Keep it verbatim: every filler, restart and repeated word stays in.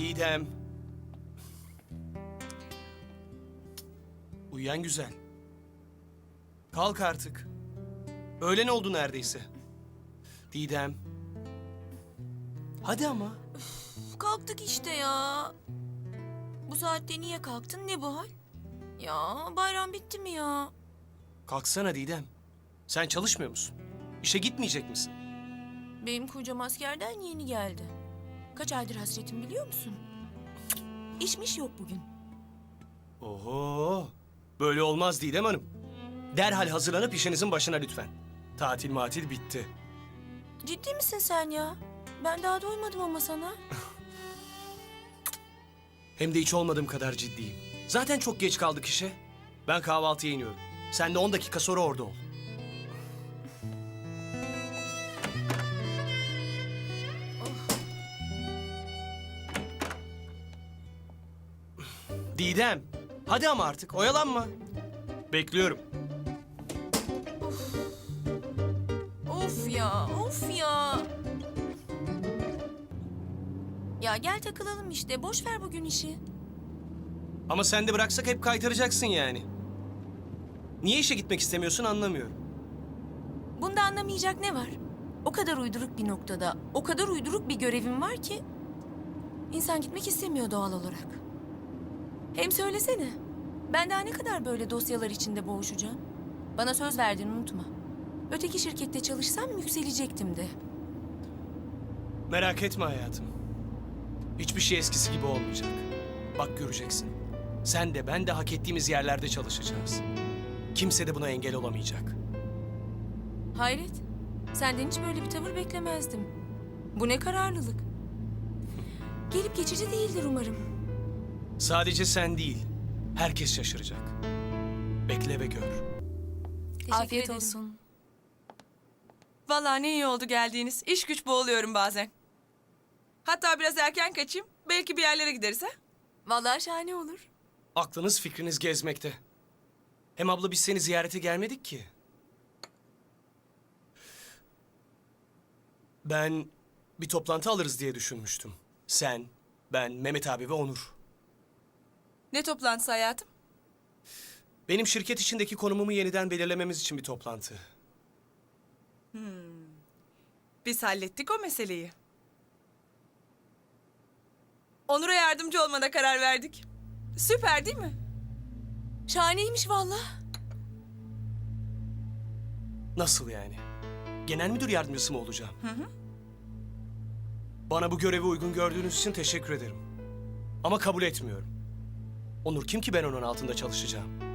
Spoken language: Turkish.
Didem. Uyuyan güzel. Kalk artık. Öğlen oldu neredeyse. Didem. Hadi ama. Kalktık işte ya. Bu saatte niye kalktın? Ne bu hal? Ya bayram bitti mi ya? Kalksana Didem. Sen çalışmıyor musun? İşe gitmeyecek misin? Benim kocam askerden yeni geldi. Kaç aydır hasretim biliyor musun? İşmiş yok bugün. Oho. Böyle olmaz Didem Hanım. Derhal hazırlanıp işinizin başına lütfen. Tatil matil bitti. Ciddi misin sen ya? Ben daha doymadım ama sana. Hem de hiç olmadığım kadar ciddiyim. Zaten çok geç kaldık işe. Ben kahvaltıya iniyorum. Sen de on dakika sonra orada ol. Didem, hadi ama artık oyalanma. Bekliyorum. Of ya, of ya. Ya gel takılalım işte. Boş ver bugün işi. Ama sen de bıraksak hep kaytaracaksın yani. Niye işe gitmek istemiyorsun anlamıyorum. Bunda anlamayacak ne var? O kadar uyduruk bir noktada, o kadar uyduruk bir görevim var ki... ...insan gitmek istemiyor doğal olarak. Hem söylesene, ben daha ne kadar böyle dosyalar içinde boğuşacağım? Bana söz verdiğini unutma. Öteki şirkette çalışsam yükselecektim de. Merak etme hayatım. Hiçbir şey eskisi gibi olmayacak. Bak göreceksin. Sen de ben de hak ettiğimiz yerlerde çalışacağız. Kimse de buna engel olamayacak. Hayret, senden hiç böyle bir tavır beklemezdim. Bu ne kararlılık. Gelip geçici değildir umarım. Sadece sen değil, herkes şaşıracak. Bekle ve gör. Teşekkür Afiyet ederim. olsun. Vallahi ne iyi oldu geldiğiniz. İş güç boğuluyorum bazen. Hatta biraz erken kaçayım. Belki bir yerlere gideriz ha? Vallahi şahane olur. Aklınız fikriniz gezmekte. Hem abla biz seni ziyarete gelmedik ki. Ben bir toplantı alırız diye düşünmüştüm. Sen, ben, Mehmet abi ve Onur. Ne toplantısı hayatım? Benim şirket içindeki konumumu yeniden belirlememiz için bir toplantı. Biz hallettik o meseleyi. Onur'a yardımcı olmana karar verdik. Süper değil mi? Şahaneymiş vallahi. Nasıl yani? Genel müdür yardımcısı mı olacağım? Hı hı. Bana bu görevi uygun gördüğünüz için teşekkür ederim. Ama kabul etmiyorum. Onur kim ki ben onun altında çalışacağım?